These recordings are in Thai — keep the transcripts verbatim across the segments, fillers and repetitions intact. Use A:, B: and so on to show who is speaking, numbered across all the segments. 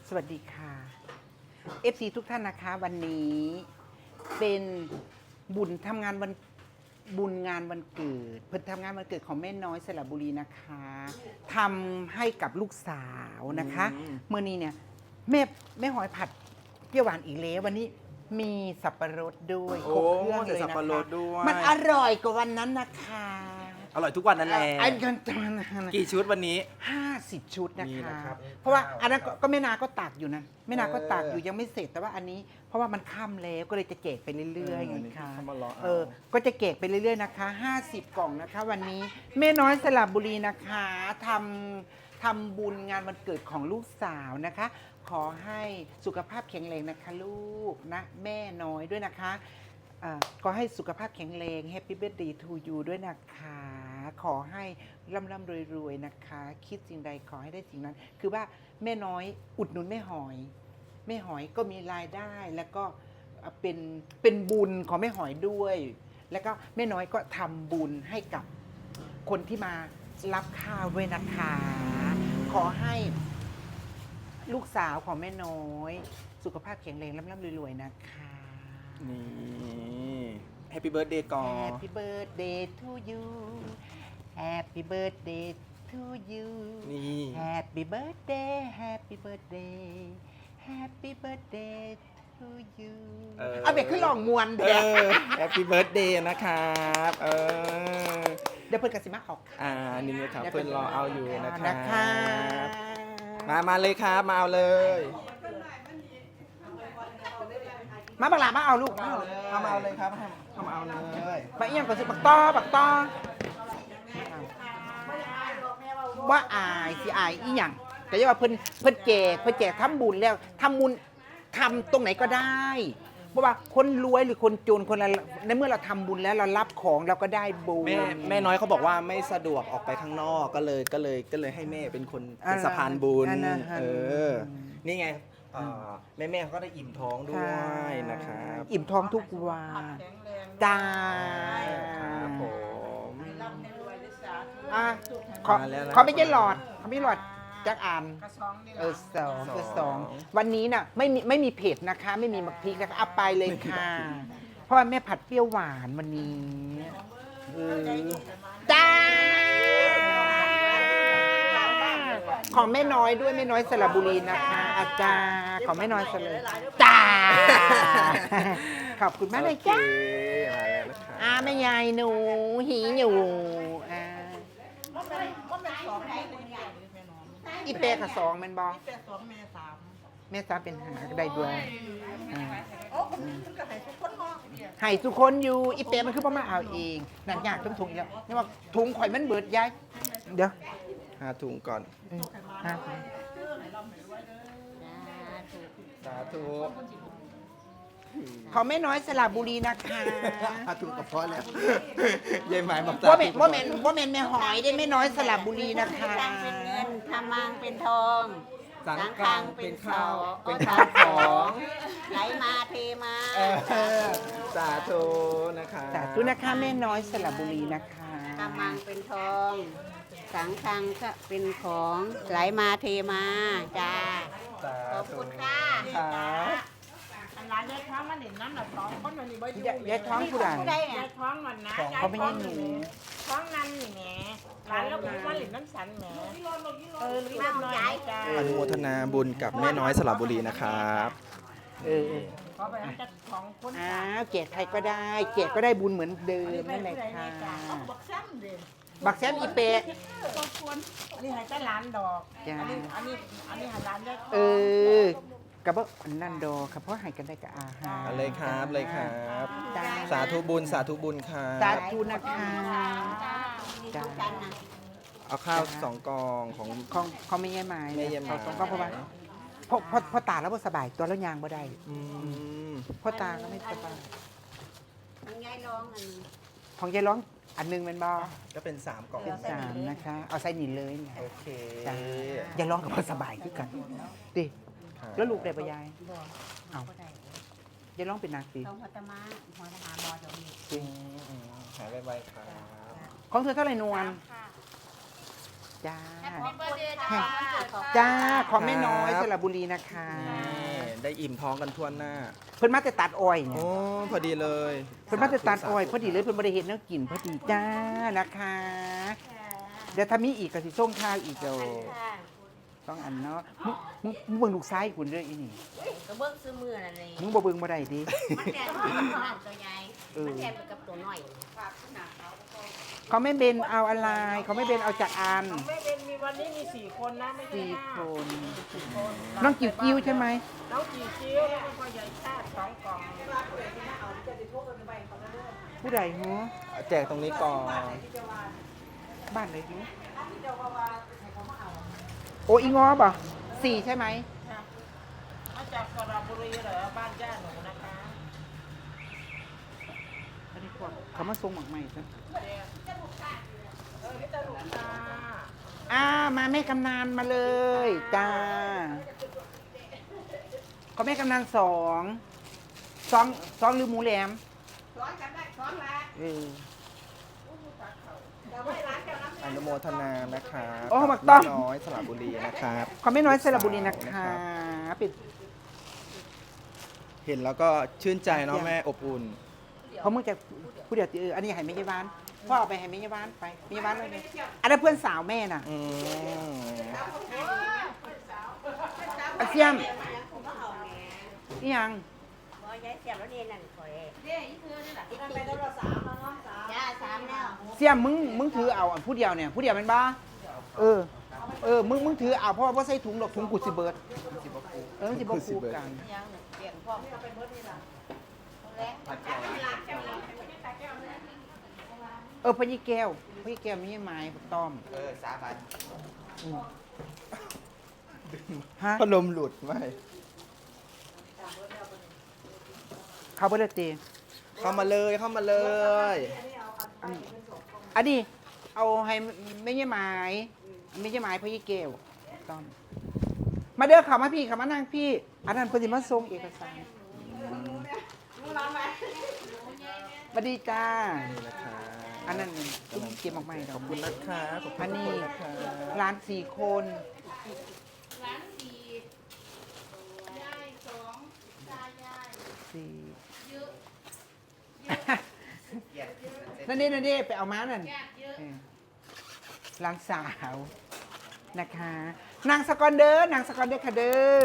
A: สวัสดีค่ะ เอฟ ซี ทุกท่านนะคะวันนี้เป็นบุญทำงานวันบุญงานวันเกิดเพิ่นทำงานวันเกิดของแม่น้อยสระบุรีนะคะทำให้กับลูกสาวนะคะเมื่อนี้เนี่ยแม่แม่หอยผัดเปรี้ยวหวานอีกแล้ววันนี้มีสับปะรดด้วยครบเครื่องเลยนะคะมันอร่อยกว่าวันนั้นนะคะ
B: อร่อยทุกวันนั่นแหละ
A: อันกัน
B: กี่ชุดวันนี้
A: ห้าสิบชุดนะคะ
B: นะครับ
A: เพราะว่าอันนั้นก็ก็แม่นาก็ตากอยู่นะแม่นาก็ตากอยู่ยังไม่เสร็จแต่ว่าอันนี้เพราะว่ามันค่ำแล้วก็เลยจะแจกไปเรื่อยๆไงคะเออก็จะแจกไปเรื่อยๆนะคะห้าสิบกล่องนะคะ วันนี้แม่น้อยสระบุรีนะคะทำทำบุญงานวันเกิดของลูกสาวนะคะ ขอให้สุขภาพแข็งแรงนะคะลูกนะแม่น้อยด้วยนะคะก็ให้สุขภาพแข็งแรง Happy Birthday to you ด้วยนะคะขอให้ร่ำร่ำรวยๆนะคะคิดสิ่งใดขอให้ได้สิ่งนั้นคือว่าแม่น้อยอุดหนุนแม่หอยแม่หอยก็มีรายได้แล้วก็เป็นเป็นบุญของแม่หอยด้วย แล้วก็แม่น้อยก็ทำบุญให้กับคนที่มารับข้าวด้วยนะคะขอให้ลูกสาวของแม่น้อยสุขภาพแข็งแรงร่ำร่ำรวยๆนะคะ
B: นี่แฮปปี้เบิร์ดเดย์ก่อน
A: Happy birthday to you Happy birthday to you
B: นี่
A: Happy birthday Happy birthday Happy birthday to you เอาเบ็ดขึ้นลองมวนเด็ก
B: แฮปปี้เบิร์ดเดย์นะครับเออ
A: เดี๋ยวเพื่อนกสิมาออก
B: อ่านี่เลยครับเพื่อนรอเอาอยู่นะครับ
A: นะคะ
B: มามาเลยครับมาเอาเลย
A: มาบักหลามาเอาลูกมาเอา
B: เข้ามาเอาเลยครับเข้ามาเอาเลย
A: มาเอียงก่อนสิบักต้อบักต้อว่าอายสิอายอีหยังแต่ยังว่าเพิ่นเพิ่นแจกเพิ่นแจกทำบุญแล้วทำบุญทำตรงไหนก็ได้เพราะว่าคนรวยหรือคนจนคนละในเมื่อเราทำบุญแล้วเรารับของเราก็ได้บุญ
B: แม่แม่น้อยเขาบอกว่าไม่สะดวกออกไปข้างนอกก็เลยก็เลยก็เลยให้แม่เป็นคนเป็นสะพานบุญเออนี่ไงแม่แม่เขาก็ได้อิ่มท้องด้วยนะครับ
A: อิ่มท้องทุกวันจ้า
B: ครับผม
A: อ่ะขอเขาไม่ใช่หลอดเขาไม่หลอดจักอ่านเออสองคือสองวันนี้น่ะไม่มีไม่มีเผ็ดนะคะ ไม่มีมักพริกนะคะเอาไปเลยค่ะเพราะว่าแม่ผัดเปรี้ยวหวานวันนี้จ้าของแม่น้อยด้วยแม่น้อยสระบุรีนะคะอาจารย์ของแม่น้อยสระจ้าขอบคุณมากเลยจ้าอาแม่ยายหนูหีอยู่อ่าอีเป้กับสองแม่นบอ
C: แปดสองแม่สาม
A: แม่สามเป็นหาได้ด้วย
C: โอ้ผมมันก็ให้ทุกคนมอง
A: ให้ทุกคนอยู่อีเป้มันคือพ่อมาเอาเองนั่นยากต้องถุงแล้วนี่ว่าถุงข่อยมันเบิดยายเดี๋ยว
B: หาถุงก่อนสาธุ
A: ขอแม่น้อยสระบุรีนะคะ
B: หาถุงกับพ่อแล้วยายหมายบอก
A: ว่าเมนว่าเมนว่าเมนแม่หอยได้แม่น้อยสระบุรีนะคะ
C: เป็นเงินทำมังเป็นทอง
B: สังฆังเป็นข้าวเป็น
C: ข้า
B: ข้าว ว
C: ข
B: ข
C: อ
B: อง ง
C: ไหลมาเทมา
B: สาธุนะคะ
A: สาธุนะคะแม่น้อยสระบุรีนะคะ
C: ทำมังเป็นทอง สังฆังก็เป็นของไหลมาเทมาจ้าขอบคุณค่ะอันร้านยายท้องมันเห็นน้ำหนักท้องคนวันนี้บ่อยู่
A: ยายท้องผู้ใด
C: ผู้ใดเนี่ยยายท้องมันนะ
A: เขาไม่ให้หนู
C: ท้องนั่นนี่แหมร้านแล้วก็มาเล่นน้ำสันแหมเออลูกน้อยจ้า
B: อนุโมทนาบุญกับแม่น้อยสระบุรีนะครับ
A: เออ
C: ขอไปจัดของคน
A: อ้าวเกศใครก็ได้เกศก็ได้บุญเหมือนเดิมนั่นแหละค่ะ
C: บักแซมเด้
A: บักแซมอีเปะ
C: อันนี้ให้แต่ร้านดอก
A: จ้า
C: อันนี้อันนี้อันนี้ให้ร้านได้
A: เออกับว่าอันนั่นดอครับเพราะให้กันได้กับอาหาร
B: เอาเลยครับเลยครับ
A: จ้า
B: สาธุบุญสาธุบุญครับ
A: สาธุนะคะจ้า
B: เอาข้าวสองกองของ
A: ของเขาไม่แย่ไม้
B: ไม่แย่ไม้
A: เขาก็เพราะว่าพอพอพอตาแล้วบ่สบายตัวแล้วยางบ่ได้
B: อืม
A: พ่อตาก็ไม่สบาย
C: อันยายร้องอัน
A: ของยายร้องอันหนึงเป็นบ่
B: ก็เป็นสามกล่อง
A: เป็นสามนะคะ เอาใส่หนีเลยเนี่ย
B: โอเค
A: จ้า ยายร้องกับพ่อสบายคือกันดิแล้วลูกได้ปะยายเอายายร้องเป็นนักสิ
C: ต้องพัตมาหัวทหารมอจงนี่
A: จริง
B: หายไวๆครับ
A: ของเธอเท่าไหร่นวลจ้า
C: ขอบคุณค่ะ
A: จ้าขอแม่น้อยสระบุรีนะคะ
B: นี่ได้อิ่มท้องกันทั่วหน้า
A: เพิ่นมาแต่ตัดอ้อยเนี่
B: โอ้
A: ย
B: พอดีเลย
A: เพิ่นมาแต่ตัดอ้อยพอดีเลยเพิ่นบริเห็นเนื้อกินพอดีจ้านะคะเดี๋ยวถ้ามีอีกก็สิส่งข้าวอีกเดี๋ยวต้องอันเนาะมึงมึงมึงเบิ่งลูกซ้ายคุณเด้ออีนี่
C: ก็เบิ้งซื้อมือนั่นเอง
A: มึงบ่เบิ่งบ่ได้ดิ
C: มันแทนตัวใหญ่มันแทนไปกับตัวน้อย
A: เขาไม่เบนเอาอะไรเขาไม่เบนเอาจากอัน
D: ไม่เป็นมีวันนี้มีสี่คนนะไม่ใช่
A: สี่
D: ห้า
A: คน
D: สี่คน
A: น้องจิ๋วจิ๋วใช่ไหม
D: น้องจีจิ้วแล้วก็พ่อใหญ่ชาติสองกล่อง
A: ผู้ใดหัว
B: แจกตรงนี้ก่อน
A: บ้านไหนหัวโอ้อีงอบ่สี่ใช่ไหม
D: มาจากสระบุรีเหรอบ้านญาติหนูนะคะ
A: อันนี้พวกเขามาส่งหมักใหม่จ้ะ
D: เออพี่ตาลุกตา
A: อ่ามาแม่กำนันมาเลยจ้าเขาแม่กำนันสองสองสองหรือหมูแหลม
C: ซ้อนกันได้ซ้อนละ
A: เออ
C: เดี๋ยวไว้ร้านเจ้าน้ำ
B: อนุโมทนานะครับ
A: โอ้หมักต้อม
B: แน้อยสระบุรีนะครับ
A: เขาไม่น้อยสระบุรีนะคะปิด
B: เห็นแล้วก็ชื่นใจเนาะแม่อบอุ่น
A: เขาเมื่อจะผู้เดียวเอออันนี้ให้แม่ยายบ้านพ่อเอาไปให้แม่ยายบ้านไปแม่ยายบ้านเลยเนี่ยอันนั้นเพื่อนสาวแม่น่ะ
B: อืม
A: อาเซียมนี่ยัง
C: บ่ยายเสียบแล้วนี่นั่นข่อยเด้อีคือนี่ล่ะอีกไปแล้วสามแล้วเนาะจ้าสามแล้ว
A: เสียมมึงมึงถือเอาอันผู้เดียวเนี่ยผู้เดียวเป็นบ้าเออเออมึงมึงถือเอาเพราะว่าบ่ใส่ถุงดอกถุงกุสิเบิร์ดเออมันสิบ่คูกัน
C: ยังหนึ่งเปลี่ยนพ่อเอาไปเบิดนี่ล่ะแล้ว
A: เออพญีแก้วพญีแก้วมีไม้ต้อม
B: เออสาบัน
A: อืมฮะ
B: พัดลมหลุดไหม
A: เขาเบิร์ดตี
B: เข้ามาเลยเข้ามาเลย
A: อันนี้เอาให้ไม่ใช่ไม้ไม่ใช่ไม้พญีแก้วต้อมมาเด้อเขามาพี่เขามานั่งพี่อันนั้นเพอดีมาส่งเอกสารสวัสดีจ้า
B: นี่นะคะ
A: อันนั้นตุ้มเก็บออกมาให้ด
B: ข
A: อ
B: อก บคุณนะคะขอบคุ
A: อั
B: ณ
A: น
B: ทุก
A: นี้
B: คนนะคะ
A: ร้านสี่คน
C: ร้านสี่ยายสองตายาย
A: สี่
C: เยอะ
A: นั่นนี่นั่นนี่ไปเอาม้านั่น
C: ญาติเยอะ
A: เออร้านสาวนะคะนางสกอนเดอร์นางสกอนเดอร์ค่ะเด้อ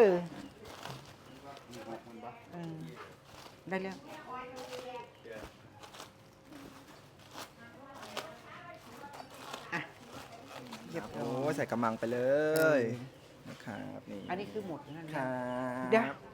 A: เออได้แล้วอ่ะเรียบร้
B: โอ้
A: อย
B: ใส่กระมังไปเลยนะครับนี่
A: อันนี้คือหมดแล้วนั่น
B: ค
A: นะ
B: รับ
A: เดี๋ยว